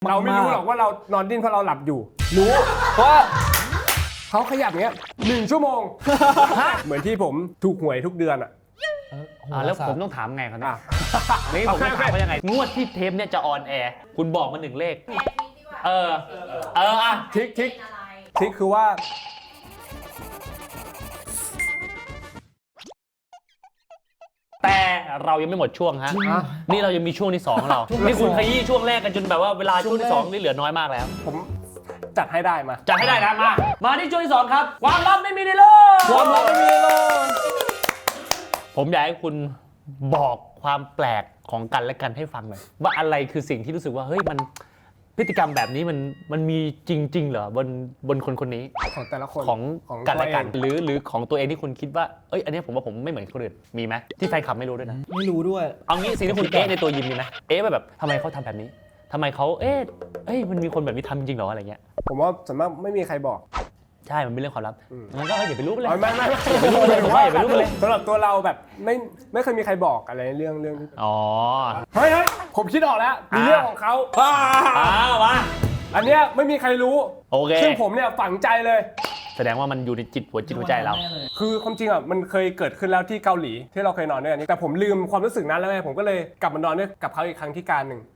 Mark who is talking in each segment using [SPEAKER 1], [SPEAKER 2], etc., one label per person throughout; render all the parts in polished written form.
[SPEAKER 1] เราไม่รู้หรอกว่าเรานอนดิ้นเพราะเราหลับอยู่
[SPEAKER 2] รู้เพราะ
[SPEAKER 1] เขาขยับเงี้ย1 ชั่วโมงเหมือนที่ผมถูกหวยทุกเดือนอ่ะ
[SPEAKER 3] แล้วผมต้องถามไงครับเนี่ยนี่ผมต้องถามว่ายังไงงวดที่เทปเนี่ยจะออนแอร์คุณบอกมา1 เลข
[SPEAKER 1] ทิกคือว่า
[SPEAKER 3] แต่เรายังไม่หมดช่วงฮะนี่เรายังมีช่วงที่2เรานี่คุณขยี้ช่วงแรกกันจนแบบว่าเวลาช่วงที่2นี่เหลือน้อยมากแล้ว
[SPEAKER 1] ผมจัดให้ได้มา
[SPEAKER 3] จัดให้ได้นะมาที่ช่วงที่2ครับความลับไม่มีในโลก
[SPEAKER 1] ความลับไม่มีในโลก
[SPEAKER 3] ผมอยากให้คุณบอกความแปลกของกันและกันให้ฟังหน่อยว่าอะไรคือสิ่งที่รู้สึกว่าเฮ้ยมันพฤติกรรมแบบนี้มันมีจริงๆเหรอบนคนนี้
[SPEAKER 1] ของแต่ละคน
[SPEAKER 3] ของกันและกันหรือของตัวเองที่คุณคิดว่าเอ้ยอันนี้ผมว่าผมไม่เหมือนคนอื่นมีไหมที่แฟนคลับไม่รู้ด้วยนะ
[SPEAKER 2] ไม่รู้ด้วย
[SPEAKER 3] เอางี้สิ่งที่คุณในตัวยิมมีไหมแบบทำไมเขาทำแบบนี้ทำไมเขามันมีคนแบบนี้ทำจริงเหรออะไรเงี้ย
[SPEAKER 1] ผมว่าส่วนมากไม่มีใครบอก
[SPEAKER 3] ใช่มันเป็นเรื่องความลับงั้นก็อย่าไปรู้เลย
[SPEAKER 1] ไม่
[SPEAKER 3] อย่าไปรู้เลยอย่าไปรู้เลย
[SPEAKER 1] สำหรับตัวเราแบบไม่เคยมีใครบอกอะไรเรื่องที่เฮ้ยผมคิดออกแล้วมีเรื่องของเขา
[SPEAKER 3] มา
[SPEAKER 1] อันเนี้ยไม่มีใครรู้
[SPEAKER 3] โอเค
[SPEAKER 1] ซึ่งผมเนี่ยฝังใจเลย
[SPEAKER 3] แสดงว่ามันอยู่ในหัวใจเรา
[SPEAKER 1] คือความจริงอ่ะมันเคยเกิดขึ้นแล้วที่เกาหลีที่เราเคยนอนด้วยกันแต่ผมลืมความรู้สึกนั้นแล้วไงผมก็เลยกลับมานอนด้วยกับเขาอีกครั้งที่การหนึ่ง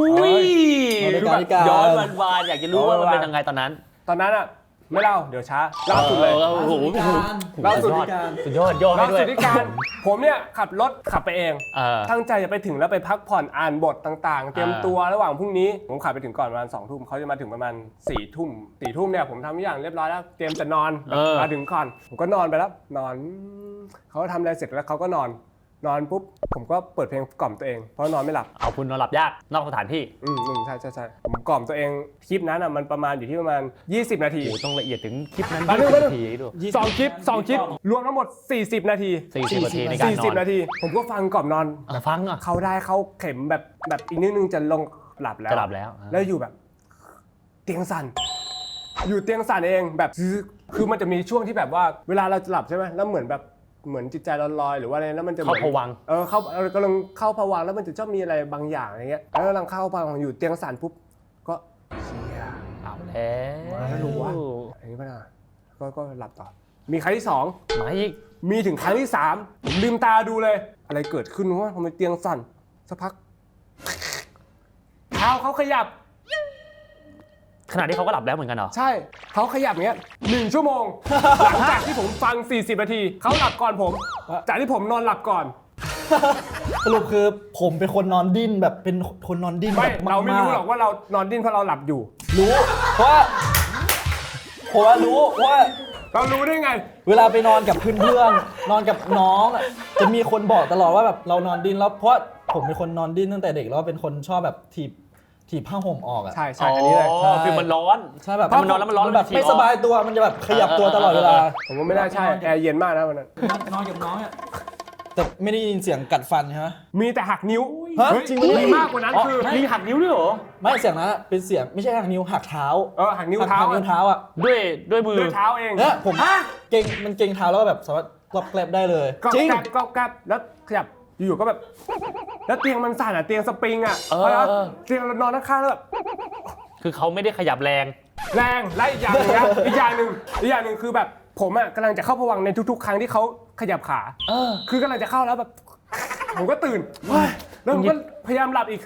[SPEAKER 3] ย้อนวานอยากจะรู้ว่ามันเป็นยังไงตอน
[SPEAKER 1] นั้นอ่ะไม่เล่าเดี๋ยวช้าเล่าสุดเลยเล่าสุด
[SPEAKER 3] ยอดให้ด้วย
[SPEAKER 1] ที่การผมเนี่ยขับรถขับไปเองตั้งใจจะไปถึงแล้วไปพักผ่อนอ่านบทต่างๆเตรียมตัวระหว่างพรุ่งนี้ผมขับไปถึงก่อนประมาณ20 ทุ่มเขาจะมาถึงประมาณ4 ทุ่มเนี่ยผมทำทุกอย่างเรียบร้อยแล้วเตรียมจะนอนมาถึงก่อนผมก็นอนไปแล้วนอนเขาทำอะไรเสร็จแล้วเขาก็นอนปุ๊บผมก็เปิดเพลงกล่อมตัวเองเพราะนอนไม่หลับ
[SPEAKER 3] เอาคุณนอนหลับยากนอกสถานที่
[SPEAKER 1] ใช่ผมกล่อมตัวเองคลิปนั้นอ่ะมันประมาณอยู่ที่ประมาณ20 นาที
[SPEAKER 3] โอ้ต้องละเอียดถึงคลิปนั้น20 นาที
[SPEAKER 1] ด้วย2 คลิปรวมทั้งหมด40 นาที
[SPEAKER 3] 40 นาทีในการนอน
[SPEAKER 1] 40 นาทีผมก็ฟังกล่อมนอน
[SPEAKER 3] ฟังอ่ะ
[SPEAKER 1] เขาได้เขาเข็มแบบอีกนิดนึงจะลงหลับแล้วแล้วอยู่แบบเตียงสั่นอยู่เตียงสั่นเองแบบคือมันจะมีช่วงที่แบบว่าเวลาเราจะหลับใช่ไหมแล้วเหมือนจิตใจลอยๆหรือว่าอะไรแล้วมันจะ
[SPEAKER 3] เข้าภวังค์
[SPEAKER 1] กำลังเข้าภวังค์แล้วมันจะชอบมีอะไรบางอย่างอะไรเงี้ยแล้วกำลังเข้าภวังค์อยู่เตียงสั่นปุ๊บก็เชีย
[SPEAKER 3] เอาแล้ว
[SPEAKER 1] รู้ว่าอันนี้ป่ะนะก็หลับต่อมีครั้งที่2
[SPEAKER 3] มาอีก
[SPEAKER 1] มีถึงครั้งที่3ผมลืมตาดูเลยอะไรเกิดขึ้นวะทำไมเตียงสั่นสักพักเท้าเขาขยับ
[SPEAKER 3] ขณะที่เขาก็หลับแล้วเหมือนกันเหรอ
[SPEAKER 1] ใช่เขาขยับเงี้ย1 ชั่วโมงหลังจากที่ผมฟัง40 นาทีเขาหลับก่อนผมจากที่ผมนอนหลับก่อน
[SPEAKER 2] สรุปคือผมเป็นคนนอนดิ้นแบบเป็นคนนอนดิ้น
[SPEAKER 1] ไม่เราไม่รู้หรอกว่าเรานอนดิ้นเพราะเราหลับอยู่
[SPEAKER 2] รู้เพราะว่ารู้ว่า
[SPEAKER 1] เรารู้ได้ไง
[SPEAKER 2] เวลาไปนอนกับเพื่อนๆนอนกับน้องจะมีคนบอกตลอดว่าแบบเรานอนดิ้นแล้วเพราะผมเป็นคนนอนดิ้นตั้งแต่เด็กแล้วเป็นคนชอบแบบถีบผ้าห่มออกอ่ะ
[SPEAKER 1] ใช่อันนี้เลย
[SPEAKER 3] คือมันร้อน
[SPEAKER 2] ใช่แบบ
[SPEAKER 3] มันนอนแล้วมันร้อน
[SPEAKER 2] แบบไม่สบายตัวมันจะแบบขยับตัวตลอดเวลา
[SPEAKER 1] ผมว่าไม่น่าใช่แอร์เย็นมากนะวันนั้น
[SPEAKER 2] นอนกับน้องอ่ะแต่ไม่ได้ยินเสียงกัดฟันใช่ไหม
[SPEAKER 1] มีแต่หักนิ้ว
[SPEAKER 2] จริง
[SPEAKER 1] มีมากกว่านั้นคือ
[SPEAKER 3] มีหักนิ้วด้วยเหรอ
[SPEAKER 2] ไม่เสียงนั้นเป็นเสียงไม่ใช่หักนิ้วหักเท้า
[SPEAKER 1] หักนิ้วเท้า
[SPEAKER 2] อ่ะ
[SPEAKER 3] ด้วยมือ
[SPEAKER 1] ด้วยเท้าเอง
[SPEAKER 2] เนี่ยผมเก่งมันเก่งเท้าแล้วแบบสามารถกลับแกลบได้เลย
[SPEAKER 1] จริงกลับแล้วขยับอยู่ๆก็แบบแล้วเตียงมันสั่นอ่ะเตียงสปริงอ่ะเตียงเรานอนข้างๆแล้วแบบ
[SPEAKER 3] คือเขาไม่ได้ขยับแรง
[SPEAKER 1] และอีกอย่างนึงนะอีกอย่างหนึ่งคือแบบผมอ่ะกำลังจะเข้าภวังค์ในทุกๆครั้งที่เขาขยับขาคือกำลังจะเข้าแล้วแบบผมก็ตื่นแล้วผมก็พยายามหลับอีก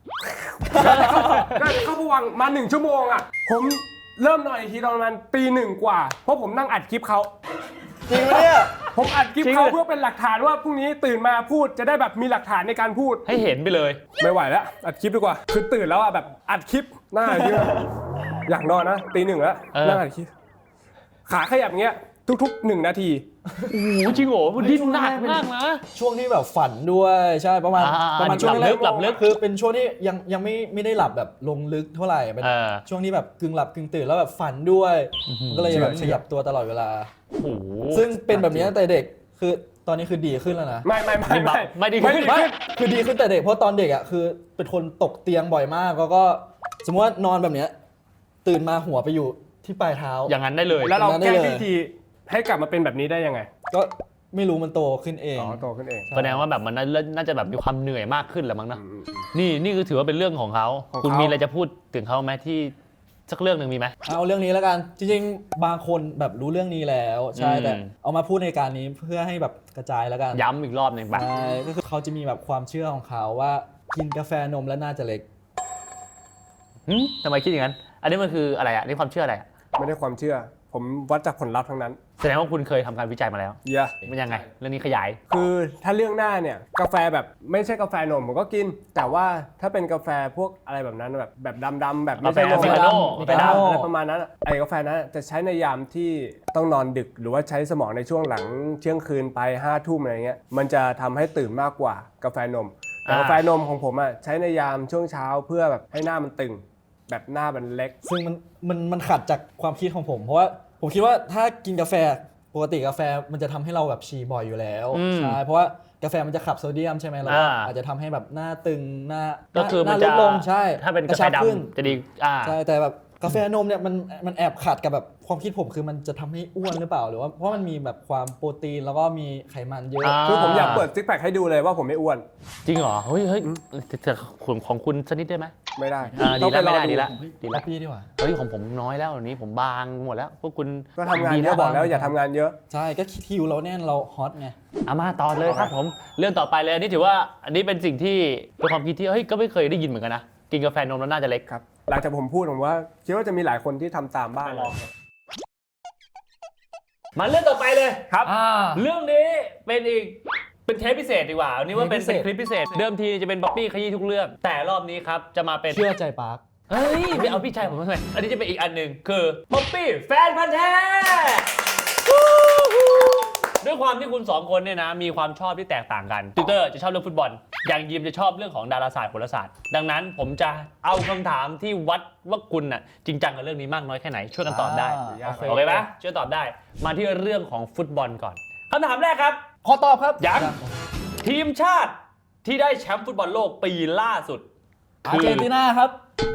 [SPEAKER 1] ก็เข้าภวังค์มา1 ชั่วโมงอ่ะผมเริ่มนอนอีกทีตอนประมาณตี 1 กว่าเพราะผมนั่งอัดคลิปเขา
[SPEAKER 2] จริงไหมเนี่ย
[SPEAKER 1] ผมอัดคลิปเขาเพื่อเป็นหลักฐานว่าพรุ่งนี้ตื่นมาพูดจะได้แบบมีหลักฐานในการพูด
[SPEAKER 3] ให้เห็นไปเลย
[SPEAKER 1] ไม่ไหวแล้วอัดคลิปดีกว่าคือตื่นแล้วอ่ะแบบอัดคลิปหน้าเยอะอยากนอนนะตี 1แล้วนั่งอัดคลิปขาขยับเงี้ยทุกๆ1 นาที
[SPEAKER 3] โอ้โหจริงโหดิ้นหนักมากนะ
[SPEAKER 2] ช่วงที่แบบฝันด้วยใช่ประมาณช่วง
[SPEAKER 3] หลับลึก
[SPEAKER 2] คือเป็นช่วงที่ยังไม่ได้หลับแบบลงลึกเท่าไหร่เป็นช่วงที่แบบกึ่งหลับกึ่งตื่นแล้วแบบฝันด้วยก็เลยแบบขยับตัวตลอดเวลาซึ่งเป็นแบบนี้ตั้งแต่เด็กคือตอนนี้คือดีขึ้นแล้วนะ
[SPEAKER 3] ไม่ดีขึ้น
[SPEAKER 2] คือดีขึ้นแต่เด็กเพราะตอนเด็กอ่ะคือเป็นคนตกเตียงบ่อยมากแล้วก็สมมติว่านอนแบบนี้ตื่นมาหัวไปอยู่ที่ปลายเท้า
[SPEAKER 3] อย่างนั้นได้เลย
[SPEAKER 1] แล้วเราแก้วิธีให้กลับมาเป็นแบบนี้ได้ยังไง
[SPEAKER 2] ก็ไม่รู้มันโตขึ้นเอง
[SPEAKER 1] อ๋อโตขึ้นเอง
[SPEAKER 3] แสดงว่าแบบมันน่าจะแบบมีความเหนื่อยมากขึ้นแหละมั้งนะนี่คือถือว่าเป็นเรื่องของเขา
[SPEAKER 1] ของเขา
[SPEAKER 3] คุณมีอะไรจะพูดถึงเขาไหมที่สักเรื่องหนึ่งมีไหม
[SPEAKER 2] เอาเรื่องนี้แล้วกันจริงๆบางคนแบบรู้เรื่องนี้แล้วใช่
[SPEAKER 3] อืม
[SPEAKER 2] แต่เอามาพูดในการนี้เพื่อให้แบบกระจายแล้วกัน
[SPEAKER 3] ย้ำอีกรอบหนึ่งปะ
[SPEAKER 2] ใช่ก็คือเขาจะมีแบบความเชื่อของเขาว่ากินกาแฟนมแล้วน่าจะเล็ก
[SPEAKER 3] ทำไมคิดอย่างนั้น อันนี้มันคืออะไรอ่ะนี่ความเชื่ออะไรอะ
[SPEAKER 1] ไม่ได้ความเชื่อ ผมวัดจากผลลัพธ์ทั้งนั้น
[SPEAKER 3] แสดงว่าคุณเคยทำการวิจัยมาแล้ว
[SPEAKER 1] เยอะ
[SPEAKER 3] มันยังไงเรื่องนี้ขยาย
[SPEAKER 1] คือถ้าเรื่องหน้าเนี่ยกาแฟแบบไม่ใช่กาแฟนมผมก็กิน แต่ว่าถ้าเป็นกาแฟพวกอะไรแบบนั้นแบบดำๆแบบไม่ใช่นม
[SPEAKER 3] กาแฟอเมริกาโน่
[SPEAKER 1] กาแฟดำอะไรประมาณนั้นอะไอ้กาแฟนั้นจะใช้ในยามที่ต้องนอนดึก หรือว่าใช้สมองในช่วงหลังเที่ยงคืนไป5 ทุ่มอะไรเงี้ยมันจะทำให้ตื่นมากกว่ากาแฟนมแต่กาแฟนมของผมอ่ะใช้ในยามช่วงเช้าเพื่อแบบให้หน้ามันตึง แบบหน้ามันเล็ก
[SPEAKER 2] ซึ่งมันขัดจากความคิดของผม เพราะว่าผมคิดว่าถ้ากินกาแฟปกติกาแฟมันจะทำให้เราแบบฉี่บ่อยอยู่แล้ว
[SPEAKER 3] อืม
[SPEAKER 2] ใช่เพราะว่ากาแฟมันจะขับโซเดียมใช่ไหมแล้วก็
[SPEAKER 3] อ่า
[SPEAKER 2] อาจจะทำให้แบบหน้าตึงหน้า
[SPEAKER 3] ก็คือ
[SPEAKER 2] ห
[SPEAKER 3] มัน
[SPEAKER 2] น้าล
[SPEAKER 3] จะ
[SPEAKER 2] ดลงใช่
[SPEAKER 3] ถ้าเป็น
[SPEAKER 2] ก
[SPEAKER 3] กา
[SPEAKER 2] ระ
[SPEAKER 3] แฟ
[SPEAKER 2] ชับขึ้น
[SPEAKER 3] ดำจะดี
[SPEAKER 2] ใช่แต่แบบกาแฟนมเนี่ยมันแอบขัดกับแบบความคิดผมคือมันจะทำให้อ้วนหรือเปล่าหรือว่าเพราะมันมีแบบความโปรตีนแล้วก็มีไขมันเยอะ
[SPEAKER 1] คือผมอยากเปิดซิกแพคให้ดูเลยว่าผมไม่อ้วน
[SPEAKER 3] จริงเหรอเฮ้ยแต่ของคุณสักนิดได้ไหม
[SPEAKER 1] ไม่ได้
[SPEAKER 3] ดีแล้วไม่ได้ดีแล้ว
[SPEAKER 2] ดี
[SPEAKER 3] ดี
[SPEAKER 2] แล้
[SPEAKER 3] แล้ว
[SPEAKER 2] พี่ดีกว่า
[SPEAKER 3] เฮ้ยของผมน้อยแล้ววันนี้ผมบางหมดแล้วพวกคุณ
[SPEAKER 1] ก็ทำงานเยอะบอกแล้วอย่าทำงานเยอะ
[SPEAKER 2] ใช่ก็คิวเราแน่นเราฮอตไง
[SPEAKER 3] เอามาต่อเลยครับผมเรื่องต่อไปเลยอันนี้ถือว่าอันนี้เป็นสิ่งที่เป็นความคิดที่เฮ้ยก็ไม่เคยได้ยินเหมือนกันนะกินกาแฟนมแล้วน่าจะเล็ก
[SPEAKER 1] ครับหลังจากผมพูดผมว่าคิดว่าจะมีหลายคนที่ทำตามบ้างเลย
[SPEAKER 3] มาเรื่องต่อไปเลย
[SPEAKER 1] ครับ
[SPEAKER 3] เรื่องนี้เป็นเทปพิเศษดีกว่าอันนี้ว่าเป็น
[SPEAKER 2] เทปพิเศษ
[SPEAKER 3] คลิปพิเศษ เดิมทีจะเป็นบ๊อบบี้ขยี้ทุกเรื่อง แต่รอบนี้ครับจะมาเป็น
[SPEAKER 2] เชื่อใจปาร์ค
[SPEAKER 3] เฮ้ยไม่เอาพี่ชายผมทำไมอันนี้จะเป็นอีกอันหนึ่งคือบ๊อบบี้แฟนพันธ์แท้ด้วยความที่คุณสองคนเนี่ยนะมีความชอบที่แตกต่างกันติวเตอร์จะชอบเรื่องฟุตบอลอย่างยิมจะชอบเรื่องของดาราศาสตร์โหราศาสตร์ดังนั้นผมจะเอาคำถามที่วัดว่าคุณน่ะจริงจังกับเรื่องนี้มากน้อยแค่ไหนช่วยกันตอบได้ โอเคปะช่วยตอบได้ มาที่เรื่องของฟุตบอลก่อนคำถามแรกครับ
[SPEAKER 2] ขอตอบครับ
[SPEAKER 3] ยังทีมชาติที่ได้แชมป์ฟุตบอลโลกปีล่าสุด
[SPEAKER 2] อาร์เจนตินาครับ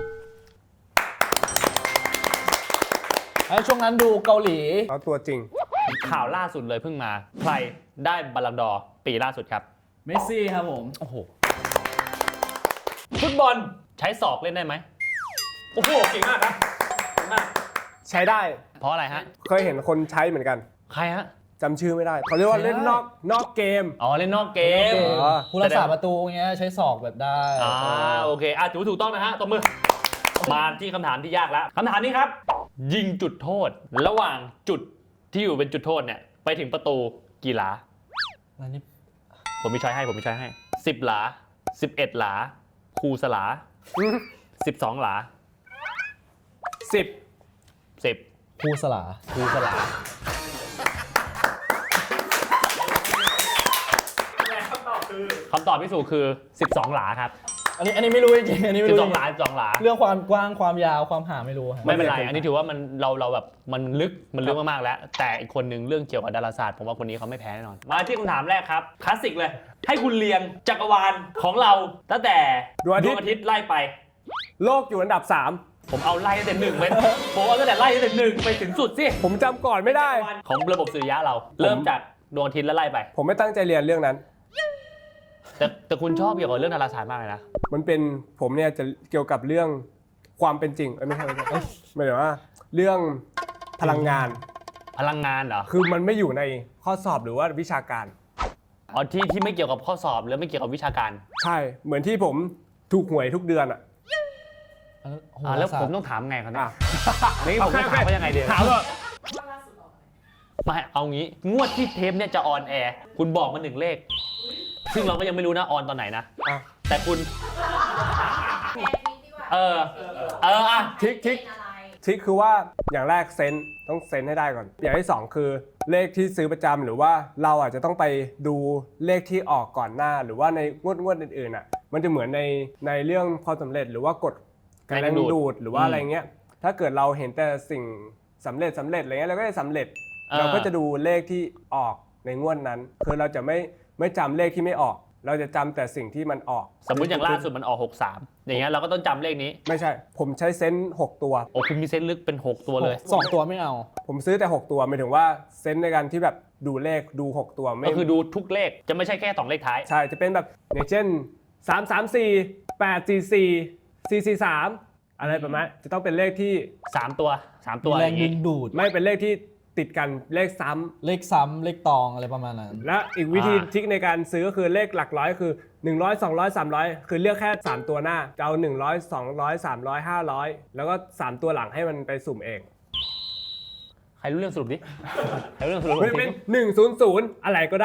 [SPEAKER 2] ไอ้ช่วงนั้นดูเกาหลี
[SPEAKER 1] เอาตัวจริง
[SPEAKER 3] ข่าวล่าสุดเลยเพิ่งมา ใครได้บัลลังก์ดอร์ปีล่าสุดครับ
[SPEAKER 2] เมสซี่ครับผม
[SPEAKER 3] โอ้โหฟุตบอลใช้ศอกเล่นได้ไหมโอ้โหเก่งมากครับเก่งมาก
[SPEAKER 1] ใช้ได้
[SPEAKER 3] เพราะอะไรฮะ
[SPEAKER 1] เคยเห็นคนใช้เหมือนกัน
[SPEAKER 3] ใครฮะ
[SPEAKER 1] จำชื่อไม่ได้เขาเรียกว่าเล่นนอกเกม
[SPEAKER 3] อ๋อเล่นนอกเกม
[SPEAKER 1] อ๋อ
[SPEAKER 2] ผู้รักษาประตูเงี้ยใช้ศอกแบบได้
[SPEAKER 3] โอเคถือถูกต้องนะฮะตบมือมาที่คำถามที่ยากแล้วคำถามนี้ครับ ยิงจุดโทษ ระหว่างจุดที่อยู่เป็นจุดโทษเนี่ยไปถึงประตูกี่หลา
[SPEAKER 2] อันนี้
[SPEAKER 3] ผมมีช้อยให้10 หลา 11 หลา คูสลา 12 หลา
[SPEAKER 1] 10
[SPEAKER 3] 10
[SPEAKER 2] ครูสลา
[SPEAKER 3] คูสลาคำตอบที่ถูกคือ 12 หลาครับ
[SPEAKER 2] อันนี้ไม่รู้จริงๆอันนี้ไม่รู้
[SPEAKER 3] 12 หลา 12 หลา
[SPEAKER 2] เรื่องความกว้างความยาวความหาไม่รู้ครับ
[SPEAKER 3] ไม่เป็นไร อันนี้ถือว่ามันเราแบบมันลึกมากๆแล้ว แต่อีกคนนึงเรื่องเกี่ยวกับดาราศาสตร์ผมว่าคนนี้เขาไม่แพ้แน่นอน มาที่คำถามแรกครับคลาสสิกเลย ให้คุณเรียงจักรวาลของเราตั้งแต่
[SPEAKER 1] ดวงอาทิตย์
[SPEAKER 3] ไล่ไป
[SPEAKER 1] โลกอยู่อันดับ
[SPEAKER 3] ผมเอาไล่ตั้งแต่หนึ่งไปผมเอาตั้งแต่ไล่ตั้งแต่หนึ่งไปถึงสุดสิ
[SPEAKER 1] 3 ผมจำก่อนไม่ได้
[SPEAKER 3] ของระบบสุริยะเรา เริ่มจากดวงอาทิตย์แล้วไล่ไป
[SPEAKER 1] ผมไม่ตั้งใจเรียนเรื่องนั้น
[SPEAKER 3] แต่คุณชอบเกี่ยวกับเรื่องดาราศาสตร์มากเลยนะ
[SPEAKER 1] มันเป็นผมเนี่ยจะเกี่ยวกับเรื่องความเป็นจริงไม่ใช่หมายถึงว่าเรื่องพลังงาน
[SPEAKER 3] พลังงานเหรอ
[SPEAKER 1] คือมันไม่อยู่ในข้อสอบหรือว่าวิชาการ
[SPEAKER 3] อ๋อที่ไม่เกี่ยวกับข้อสอบหรือไม่เกี่ยวกับวิชาการ
[SPEAKER 1] ใช่ เหมือนที่ผมถูกหวยทุกเดือนอ่ะ
[SPEAKER 3] แล้วผมต้องถามไงครับเนี่ย
[SPEAKER 1] อ่ะ
[SPEAKER 3] นี่ผมต้องถามว่ายังไงดี
[SPEAKER 1] ถามว่า
[SPEAKER 3] ไม่เอางี้งวดที่เทปเนี่ยจะออนแอร์คุณบอกมา1 เลข ซึ่งเราก็ยังไม่รู้นะออนตอนไหนนะ
[SPEAKER 1] อ่ะ
[SPEAKER 3] แต่คุณ
[SPEAKER 1] ทิกทิกคือว่าอย่างแรกเซนต้องเซนให้ได้ก่อน อย่างที่ 2 คือเลขที่ซื้อประจำหรือว่าเราอาจจะต้องไปดูเลขที่ออกก่อนหน้า หรือว่าในงวดอื่นๆอ่ะมันจะเหมือนในเรื่องความสำเร็จหรือว่ากฎการแรงดึงดูดหรือว่าอะไรเงี้ยถ้าเกิดเราเห็นแต่สิ่งสำเร็จอะไรเงี้ยเราก็จะสำเร็จเราก็จะดูเลขที่ออกในงวดนั้นคือเราจะไม่จำเลขที่ไม่ออก เราจะจำแต่สิ่งที่มันออก
[SPEAKER 3] สมมุติอย่างล่าสุดมันออก63อย่างเงี้ยเราก็ต้องจำเลขนี้
[SPEAKER 1] ไม่ใช่ ผมใช้เซนส์6ตัว
[SPEAKER 3] โอ้คุณมีเซนส์ลึกเป็น6ตัวเลย
[SPEAKER 2] 2 ตัวไม่เอา
[SPEAKER 1] ผมซื้อแต่6ตัวหมายถึงว่าเซนส์ในการที่แบบดูเลขดู 6 ตัวไม่
[SPEAKER 3] ก็คือดูทุกเลขจะไม่ใช่แค่2เลขท้าย
[SPEAKER 1] ใช่จะเป็นแบบอย่างเช่น 334 844 443 อะไรประมาณจะต้องเป็นเลขที่
[SPEAKER 3] 3 ตัว
[SPEAKER 2] มีแรง
[SPEAKER 3] อย่าง
[SPEAKER 2] ดึ
[SPEAKER 3] งี้
[SPEAKER 2] งดูด
[SPEAKER 1] ไม่เป็นเลขที่ติดกันเลขซ้ำ
[SPEAKER 2] เลขซ้ำเลขตองอะไรประมาณนั้น
[SPEAKER 1] และอีกวิธีทริคในการซื้อก็คือเลขหลักร้อยคือ 100 200 300 คือเลือกแค่ 3 ตัวหน้าจะเอา100 200 300 500 แล้วก็ 3 ตัวหลังให้มันไปสุ่มเอง
[SPEAKER 3] ใครรู้เรื่องสรุปดิ ใครรู้เรื่องสรุป
[SPEAKER 1] มันจะเป็น 100 อะไรก็ได้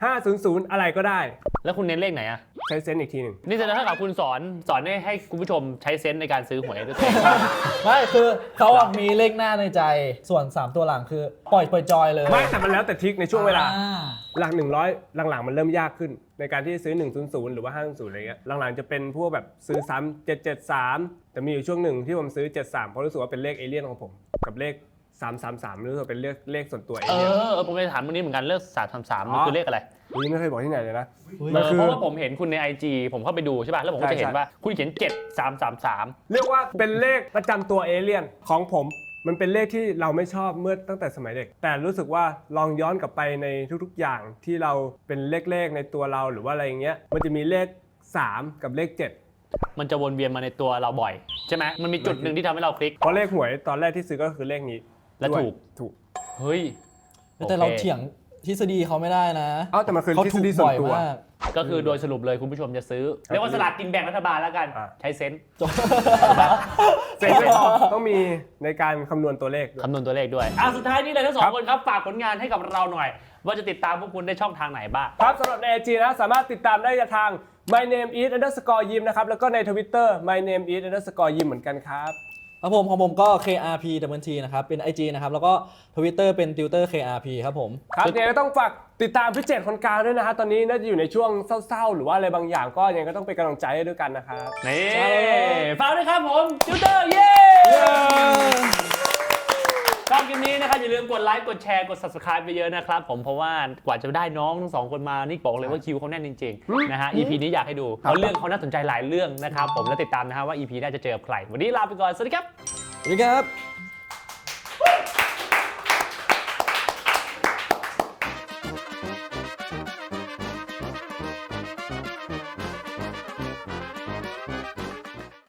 [SPEAKER 1] 500 อะไรก็ได้
[SPEAKER 3] แล้วคุณเน้นเลขไหนอะ
[SPEAKER 1] ใช้เซนส์อีกทีหนึ่ง
[SPEAKER 3] นี่แสดงเท่ากับคุณสอนให้คุณผู้ชมใช้เซนส์ในการซื้อหวยด้วยตัวเอง
[SPEAKER 2] ไม่คือเขาอะมีเลขหน้าในใจส่วน 3 ตัวหลังคือปล่อยจอยเลย
[SPEAKER 1] ไม่แต่มันแล้วแต่ทริคในช่วงเวลา
[SPEAKER 2] อ่
[SPEAKER 1] หลัก 100 หลังๆมันเริ่มยากขึ้น ในการที่ซื้อ 100 หรือว่า 500 อะไรเงี้ยหลังๆจะเป็นพวกแบบซื้อซ้ำ773 แต่มีอยู่ช่วงหนึ่งที่ผมซื้อ 73 เพราะรู้สึกว่าเป็นเลขเอเลี่ยนของผม กับเลข 333รู้สึกว่าเป็นเลขส่วนตัวเอ
[SPEAKER 3] เอ
[SPEAKER 1] เลี่ยน
[SPEAKER 3] อผมไปถามวันนี้เหมือนกันเลข333มันคือเลขอะไร
[SPEAKER 1] นี่ไม่เคยบอกที่ไหนเลยนะ
[SPEAKER 2] อุ๊ย
[SPEAKER 1] มันคือ
[SPEAKER 3] เพราะว่าผมเห็นคุณใน IG ผมเข้าไปดูใช่ป่ะแล้วผมก็จะเห็น
[SPEAKER 1] ใช่
[SPEAKER 3] ว่าคุณเขียน7333
[SPEAKER 1] เรียกว่าเป็นเลขประจำตัวเอเลี่ยนของผม มันเป็นเลขที่เราไม่ชอบเมื่อตั้งแต่สมัยเด็ก แต่รู้สึกว่าลองย้อนกลับไปในทุกๆอย่างที่เราเป็นเลขในตัวเราหรือว่าอะไรอย่างเงี้ยมันจะมีเลข 3 กับเลข 7
[SPEAKER 3] มันจะวนเวียนมาในตัวเราบ่อยใช่ไหมมันมีจุดหนึ่งที่ทำให้เราคลิก
[SPEAKER 1] เพราะเลขหวยตอนแรกที่ซื้อก็คือเลขนี้
[SPEAKER 3] และ
[SPEAKER 1] ด้วย
[SPEAKER 3] ถูก
[SPEAKER 1] ถูก
[SPEAKER 3] เฮ้ย
[SPEAKER 2] แต่เรา
[SPEAKER 3] โอค
[SPEAKER 2] เถียงทฤษฎีเขาไม่ได้นะ
[SPEAKER 1] เอ้าแต่มันคือ
[SPEAKER 2] เขา
[SPEAKER 1] ทฤษ
[SPEAKER 2] ถูก
[SPEAKER 1] ฎีส่ว
[SPEAKER 2] บ่
[SPEAKER 1] น
[SPEAKER 2] อย
[SPEAKER 1] ตัว
[SPEAKER 2] มาก
[SPEAKER 3] ก็คือโดยสรุปเลยคุณผู้ชมจะซื้อเรียกว่าสลากกินแบ่งรัฐบาลแล้วกัน
[SPEAKER 1] อ่ะ
[SPEAKER 3] ใช้เซนส์
[SPEAKER 1] เซนส์ต้องมีในการคำนวณตัวเลขด้วย
[SPEAKER 3] คำนวณตัวเลขด้วยสุดท้ายนี้เลยทั้งสองคนครับฝากผลงานให้กับเราหน่อย ว่าจะติดตามพวกคุณได้ช่องทางไหนบ้าง
[SPEAKER 1] ครับสำหรับใน IG นะสามารถติดตามได้ทาง my name is _ yim นะครับแล้วก็ใน Twitter my name is _ yim เหมือนกันครับ
[SPEAKER 2] ครับผมของผมก็ KRPนะครับเป็น IG นะครับแล้วก็ Twitter เป็น Tutor KRP ครับผม
[SPEAKER 1] ครับยังไงก็ต้องฝากติดตามพี่เจตคนกลางด้วยนะฮะตอนนี้น่าจะอยู่ในช่วงเศร้าๆ หรือว่าอะไรบางอย่างก็ยังไงก็ต้องเป็นกำลังใจให้ด้วยกันนะครับ
[SPEAKER 3] นี่ฝากด้วยครับผมติวเตอร์เย้ชอบคลิปนี้นะครับอย่าลืมกดไลค์กดแชร์กด subscribe ไปเยอะนะครับผมเพราะว่ากว่าจะได้น้องทั้งสองคนมานี่บอกเลยว่าคิวเขาแน่นจริงๆนะฮะ EP นี้อยากให้ดูเพราะเรื่องเขาน่าสนใจหลายเรื่องนะครับผมและติดตามนะฮะว่า EP หน้าจะเจอกับใครวันนี้ลาไปก่อนสวัสดีครับ
[SPEAKER 2] สวัสดีครับ